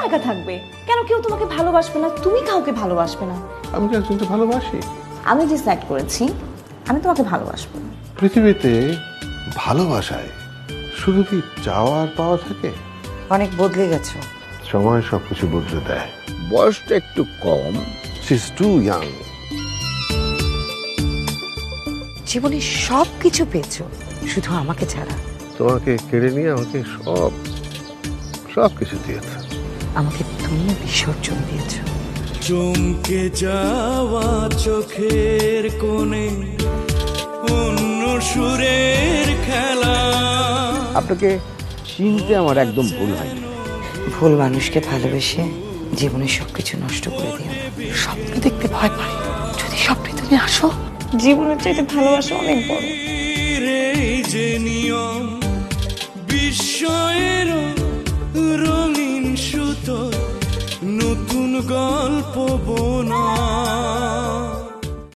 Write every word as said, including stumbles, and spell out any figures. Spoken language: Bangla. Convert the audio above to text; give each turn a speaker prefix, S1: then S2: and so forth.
S1: একা থাকবে? কেন কেউ তোমাকে ভালোবাসবে না? তুমি কাউকে ভালোবাসবে না?
S2: আমি কি একজনকে ভালোবাসি?
S1: আমি ডিসাইড করেছি আমি তোমাকে ভালোবাসবো।
S2: পৃথিবীতে ভালোবাসায় শুধু কি চাওয়া আর পাওয়া থাকে?
S3: অনেক বদলে গেছো।
S2: সময় সবকিছু বদলে দেয়।
S4: বয়সটা একটু কম।
S2: She is too young.
S3: জীবনে সব কিছু পেয়েছো, শুধু আমাকে ছাড়া।
S2: তোমাকে কেড়ে নিয়ে আমাকে সব সব কিছু দিয়েছে।
S3: আমাকে তুমি বিসর্জন দিয়েছো।
S5: চমকে যাওয়া চোখের কোণে অন্য সুরের খেলা।
S4: আপনাকে চিনতে আমার একদম ভুল হয়নি।
S3: ভুল মানুষকে ভালোবেসে জীবনের সবকিছু নষ্ট করে দিও। স্বপ্ন দেখতে ভয় পাই, যদি স্বপ্নে তুমি আসো।
S1: জীবনের চাইতে ভালোবাসা অনেক বড়।
S5: এই যে নিয়ম বিস্ময়ের রঙিন সুতো, নতুন গল্প বোনা।